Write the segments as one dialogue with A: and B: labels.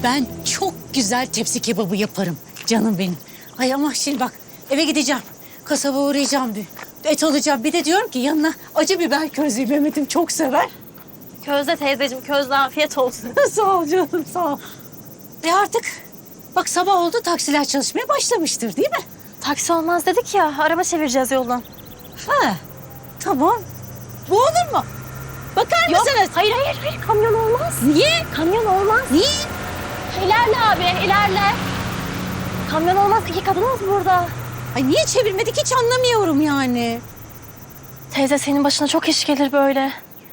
A: Ben çok güzel tepsi kebabı yaparım canım benim. Ay ama şimdi bak eve gideceğim. Kasaba uğrayacağım bir. Et alacağım. Bir de diyorum ki yanına acı biber közleyeyim. Mehmet'im çok sever.
B: Közde teyzeciğim, közde afiyet olsun.
A: Sağ ol canım, sağ ol. Artık bak sabah oldu, taksiler çalışmaya başlamıştır değil mi?
B: Taksi olmaz dedik ya, araba çevireceğiz yoldan.
A: Ha, tamam. Bu olur mu? Bakar mısınız?
B: Hayır, kamyon olmaz.
A: Niye?
B: Kamyon olmaz.
A: Niye?
B: İlerle abi, ilerle. Kamyon olmaz, iki kadınız burada.
A: Ay niye çevirmedik hiç anlamıyorum yani.
B: Teyze senin başına çok iş gelir böyle.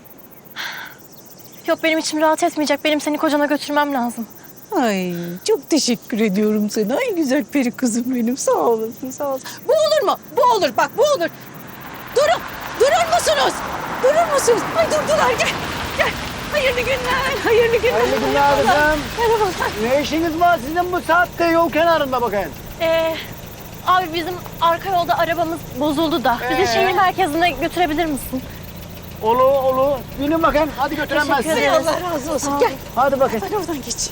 B: Yok benim içim rahat etmeyecek, benim seni kocana götürmem lazım.
A: Ay çok teşekkür ediyorum sana. Ay güzel peri kızım benim. Sağ olasın, sağ olasın. Bu olur mu? Bu olur, bak bu olur. Durur musunuz? Durur musunuz? Ay durdular, gel. Hayırlı günler, hayırlı günler.
C: Hayırlı günler kızım.
A: Merhabalar.
C: Ne işiniz var sizin bu saatte yol kenarında bakayım?
B: Abi bizim arka yolda arabamız bozuldu da. Bizi şehir merkezine götürebilir misin?
C: Olur. Binin bakayım. Hadi götürem ben
B: Teşekkür
C: sizi.
B: ederim.
A: Allah razı olsun.
B: Sağ ol.
A: Gel.
C: Hadi bakayım.
A: Ben oradan geç.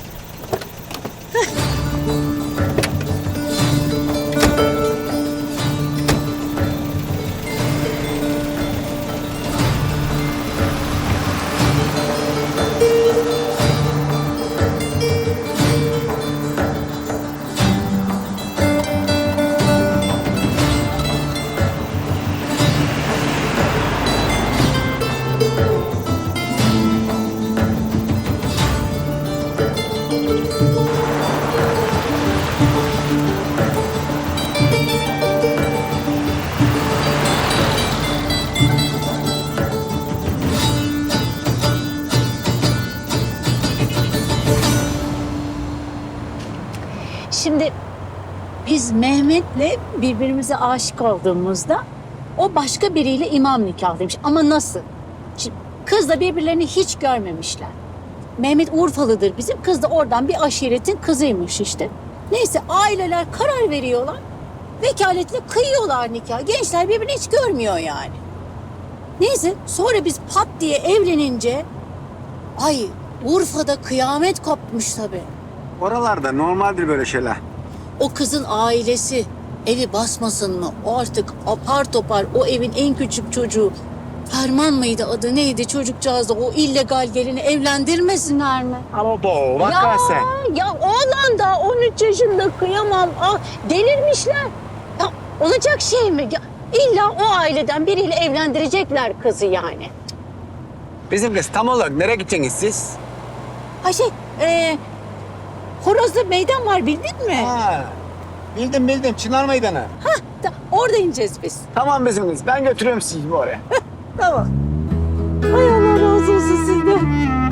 A: Şimdi biz Mehmet'le birbirimize aşık olduğumuzda o başka biriyle imam nikahlıymış. Ama nasıl? Şimdi kızla birbirlerini hiç görmemişler. Mehmet Urfalıdır bizim. Kız da oradan bir aşiretin kızıymış işte. Neyse aileler karar veriyorlar. Vekaletle kıyıyorlar nikah. Gençler birbirini hiç görmüyor yani. Neyse sonra biz pat diye evlenince ay Urfa'da kıyamet kopmuş tabii.
C: Oralarda normaldir böyle şeyler.
A: O kızın ailesi evi basmasın mı? O artık apar topar o evin en küçük çocuğu. Ferman mıydı adı neydi çocukcağız da o illegal gelini evlendirmesinler mi?
C: Ama bu vakası.
A: Ya oğlan da 13 yaşında kıyamam. Ah, delirmişler. Ya olacak şey mi? Ya, illa o aileden biriyle evlendirecekler kızı yani.
C: Bizim kız tam olarak nereye gideceksiniz siz?
A: Ha Horoz'da meydan var bildin mi?
C: Ha, bildim. Çınar Meydanı.
A: Orada ineceğiz biz.
C: Tamam bizim kız. Ben götürüyorum sizi oraya.
A: Tamam. Ay Allah razı olsun sizden.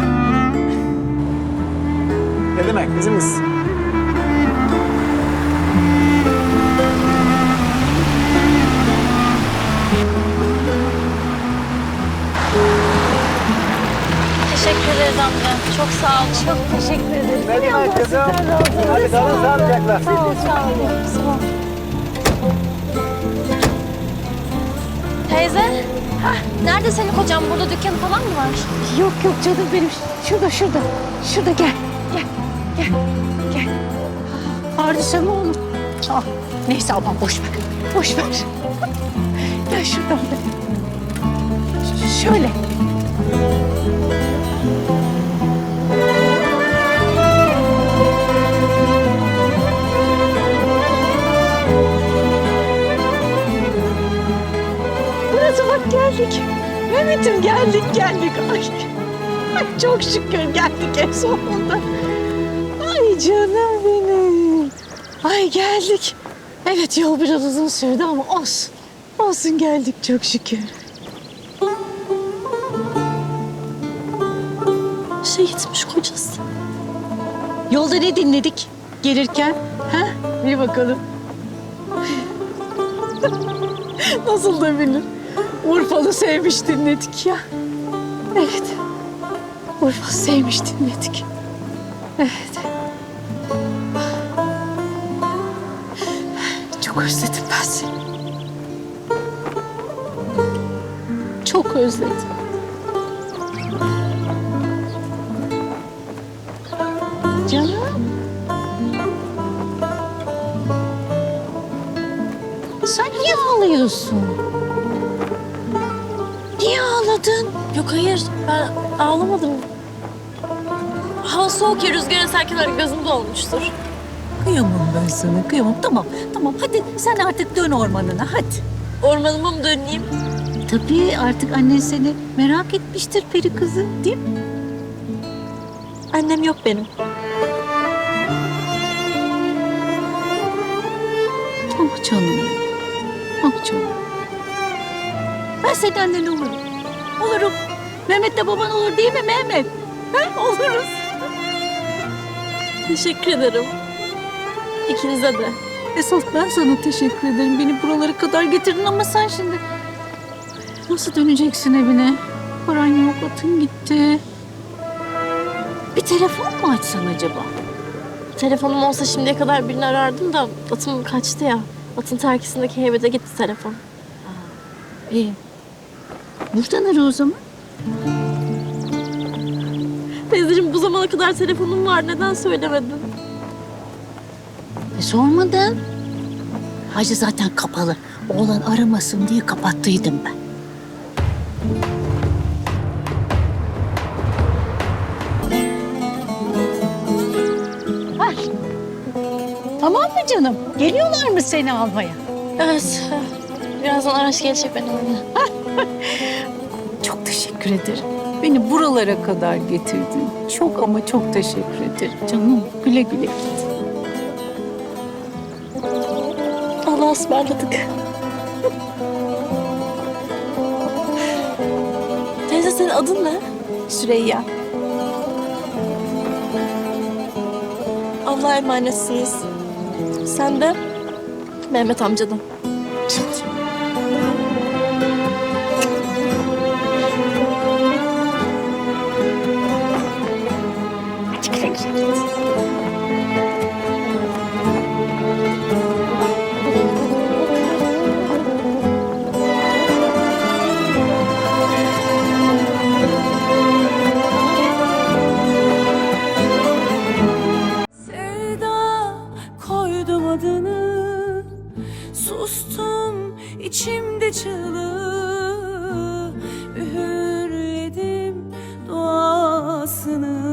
C: Ne demek bizim kız?
B: Teşekkür ederiz amca. Çok sağ ol.
A: Çok teşekkür ederim.
C: Ne demek kızım? Hadi kalın sağlıcakla.
A: Sağ ol. Sağ ol.
B: Teyze, nerede senin kocan? Burada dükkanı falan mı var?
A: Yok canım benim. Şurada. Şurada gel. Gel. Pardon mı olur? Ah, neyse aman boş ver. Gel şuradan. Şöyle. Burası bak geldik. Mehmet'im geldik. Ay çok şükür geldik en sonunda. Ay canım benim. Ay geldik. Evet yol biraz uzun sürdü ama olsun. Olsun geldik çok şükür.
B: Gitmiş kocası.
A: Yolda ne dinledik gelirken? Ha? Bir bakalım. Nasıl da bilir. Urfalı sevmiş dinledik ya. Evet. Urfalı sevmiş dinledik. Evet. Çok özledim ben seni. Çok özledim. Canım. Sen niye ağlıyorsun? Niye ağladın?
B: Yok hayır ben ağlamadım. Hava soğuk ya rüzgar eserken öyle gözüm dolmuştur.
D: Kıyamam ben sana, kıyamam. Tamam, tamam. Hadi sen artık dön ormanına, hadi.
B: Ormanıma mı döneyim?
A: Tabii artık annen seni merak etmiştir peri kızı, değil mi?
B: Annem yok benim.
A: Ah canım. Ah canım. Ben senin annen olurum. Olurum. Mehmet de baban olur değil mi Mehmet? Ha? Oluruz.
B: Teşekkür ederim. İkinize de.
A: Esas ben sana teşekkür ederim. Beni buralara kadar getirdin ama sen şimdi nasıl döneceksin evine? Paran yok, atın gitti. Bir telefon mu açsan acaba?
B: Telefonum olsa şimdiye kadar birini arardım da atım kaçtı ya. Atın terkisindeki heybede gitti telefon.
A: İyi. Buradan ara o zaman.
B: Teyzeciğim bu zamana kadar telefonum var. Neden söylemedin?
A: Sormadın. Hacı zaten kapalı. Oğlan aramasın diye kapattıydım ben. Ay. Tamam mı canım? Geliyorlar mı seni almaya?
B: Evet. Birazdan araç gelecek benim önüne.
A: Çok teşekkür ederim. Beni buralara kadar getirdin. Çok ama çok teşekkür ederim. Canım güle güle git.
B: Allah'a ısmarladık. Teyze senin adın ne?
A: Süreyya.
B: Allah'a emanetsiniz. Sen de Mehmet amcadan.
E: Sevda koydum adını, sustum içimde çığlığı, üğürledim duasını.